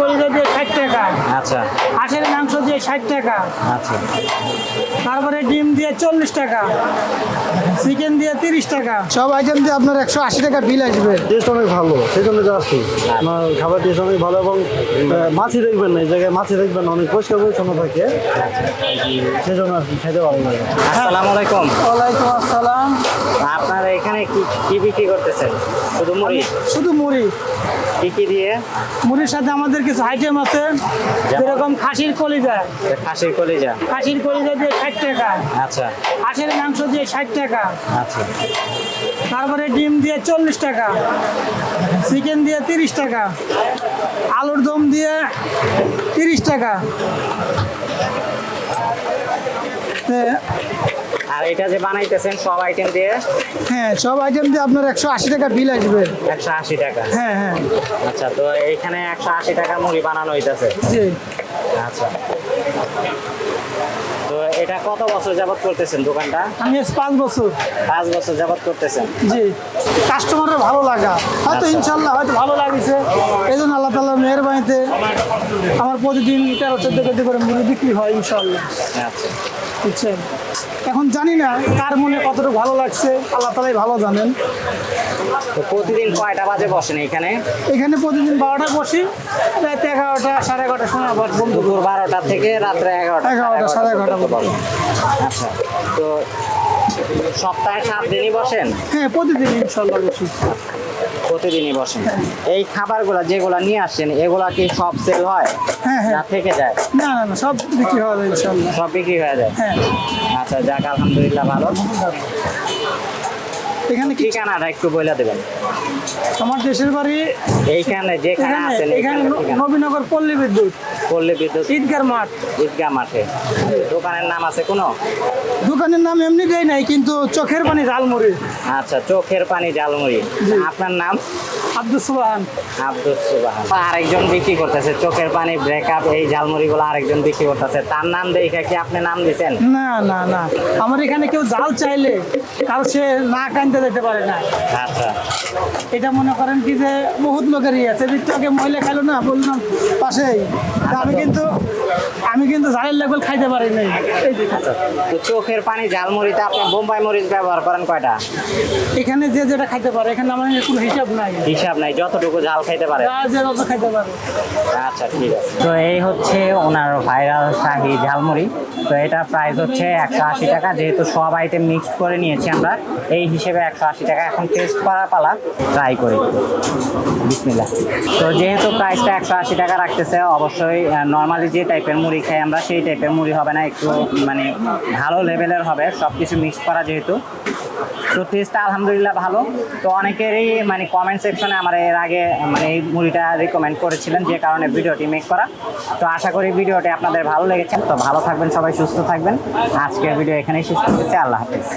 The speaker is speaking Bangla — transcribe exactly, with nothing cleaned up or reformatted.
কলিজা দিয়ে ষাট টাকা, আচ্ছা হাঁসের মাংস দিয়ে ষাট টাকা, আচ্ছা তারপরে ডিম দিয়ে চল্লিশ টাকা, চিকেন দিয়ে তিরিশ টাকা, সব আইটেম দিয়ে আপনার একশো আশি টাকা বিল আসবে। টেস্ট অনেক ভালো, সেই জন্য যাচ্ছি। আমার খাবার টেস্ট অনেক ভালো এবং আহ, মাছি দেখবেন না, এই জায়গায় মাছি দেখবেন না, অনেক পরিষ্কার পরিচ্ছন্ন থাকে, সেই জন্য আর কি খেতে ভালো লাগে। আসসালামু আলাইকুম। ওয়ালাইকুম আসসালাম। আপনারা এখানে কি কি বিক্রি করতেছেন? শুধু মুড়ি? শুধু মুড়ি, কি কি দিয়ে? মুড়ির সাথে আমাদের কিছু আইটেম আছে, যেরকম খাসির কলিজা, খাসির কলিজা। খাসির কলিজা দিয়ে ষাট টাকা, আচ্ছা হাঁসের মাংস দিয়ে ষাট টাকা, আচ্ছা তারপরে ডিম দিয়ে চল্লিশ টাকা, চিকেন দিয়ে তিরিশ টাকা, আলুর দম দিয়ে তিরিশ টাকা। তে- আর এটা যে বানাইতেছেন সব আইটেম দিয়ে হ্যাঁ, সব আইটেম দিয়ে আপনার একশো আশি টাকা বিল আসবে। একশো আশি টাকা। হ্যাঁ হ্যাঁ আচ্ছা, তো এইখানে একশো আশি টাকা মুড়ি বানানো হইতেছে। জি। আচ্ছা, তো এটা কত বছর যাবত করতেছেন দোকানটা? আমি আজ পাঁচ বছর। পাঁচ বছর যাবত করতেছেন। জি, কাস্টমারের ভালো লাগা হয়তো, আচ্ছা। ইনশাল্লাহ হয়তো ভালো লাগছে, এই জন্য আল্লাহ তাআলার মেহেরবানিতে আমার প্রতিদিন তেরো চোদ্দ কেজি করে মুড়ি বিক্রি হয় ইনশাল্লাহ। আচ্ছা, বুঝছেন, এখন জানি না কার মনে কতটুকু ভালো লাগছে, আল্লাহ তাআলাই ভালো জানেন। তো প্রতিদিন কয়টা বাজে বসেন এখানে? এখানে প্রতিদিন বারোটা বসি, রাত এগারোটা সাড়ে এগারোটার সময় আবার বন্ধ করি। দুপুর বারোটা থেকে রাত্রে এগারোটা এগারোটা, সাড়ে এগারোটা পর্যন্ত বসেন। আচ্ছা, তো সপ্তাহে সাত দিনই বসেন? হ্যাঁ, প্রতিদিন ইনশাল্লাহ বসি। প্রতিদিনই বসেন। এই খাবারগুলা যেগুলা নিয়ে আসছেন এগুলা কি সব সেল হয়? হ্যাঁ হ্যাঁ, না থেকে যায়? না না না, সব বিক্রি হওয়া যায় ইনশাল্লাহ। সব বিক্রি হয়ে যায়? হ্যাঁ, আচ্ছা, যাক আলহামদুলিল্লাহ, ভালো। এখানে কি ঠিকানাটা একটু বলে দেবেন। আমার দেশের বাড়ি এইখানে যেখানে এখানে আছেন এখানে এখানে ঠিকানা? নবীনগর পল্লী বিদ্যুৎ পল্লী বিদ্যুৎ ঈদগার মাঠ। ঈদগাহ মাঠে। দোকানের নাম আছে কোনো? দোকানের নাম এমনি দেয় নাই, কিন্তু চোখের পানি ঝালমুড়ি। আচ্ছা, চোখের পানি ঝালমুড়ি। জি। আপনার নাম? আব্দুল সুবহান। আব্দুল সুবহান। আরেকজন বিক্রি করতেছে চোখের পানি, ব্রেকআপ, এই ঝালমুড়ি গুলো আরেকজন বিক্রি করতেছে, তার নাম দেখে কি আপনি নাম দিচ্ছেন? না না না, আমার এখানে কেউ জাল চাইলে কারো সে না কানতে যেতে পারে না। আচ্ছা এটা মনে করেন কি যে বহুত লোকেরই আছে, দিকটাকে মহিলা খাইলো না, বললাম পাশেই, তা আমি কিন্তু আমি কিন্তু ঝালের লেভেল খাইতে পারি নাই। এই যে আচ্ছা, তো চোখের পানি ঝালমুড়িতে আপনি বোম্বাই মরিচ ব্যবহার করেন কয়টা? এখানে যে যেটা খাইতে পারে, এখানে আমার কোনো হিসাব নাই, হিসাব নাই, যতটুকু ঝাল খাইতে পারে। যা যে যত খাইতে পারে। আচ্ছা, ঠিক আছে। তো এই হচ্ছে ওনার ভাইরাল শাহী ঝালমুড়ি। তো এটা প্রাইস হচ্ছে একশো আশি টাকা, যেহেতু সব আইটেম মিক্সড করে নিয়েছি আমরা, এই হিসেবে একশো আশি টাকা। এখন টেস্ট করার পালা, ট্রাই করি। বিসমিল্লাহ। তো যেহেতু প্রাইসটা একশো আশি টাকা রাখতেছে, অবশ্যই নর্মালি যে টাইপের মুড়ি খাই আমরা সেই টাইপের মুড়ি হবে না, একটু মানে ভালো লেভেলের হবে, সব কিছু মিক্স করা যেহেতু। তো টেস্টটা আলহামদুলিল্লাহ ভালো। তো অনেকেরই মানে কমেন্ট সেকশনে আমার এর আগে মানে এই মুড়িটা রিকমেন্ড করেছিলেন, যে কারণে ভিডিওটি মেক করা। তো আশা করি ভিডিওটি আপনাদের ভালো লেগেছে। তো ভালো থাকবেন সবাই, সুস্থ থাকবেন। আজকের ভিডিও এখানেই শেষ করতেছি। আল্লাহ হাফেজ।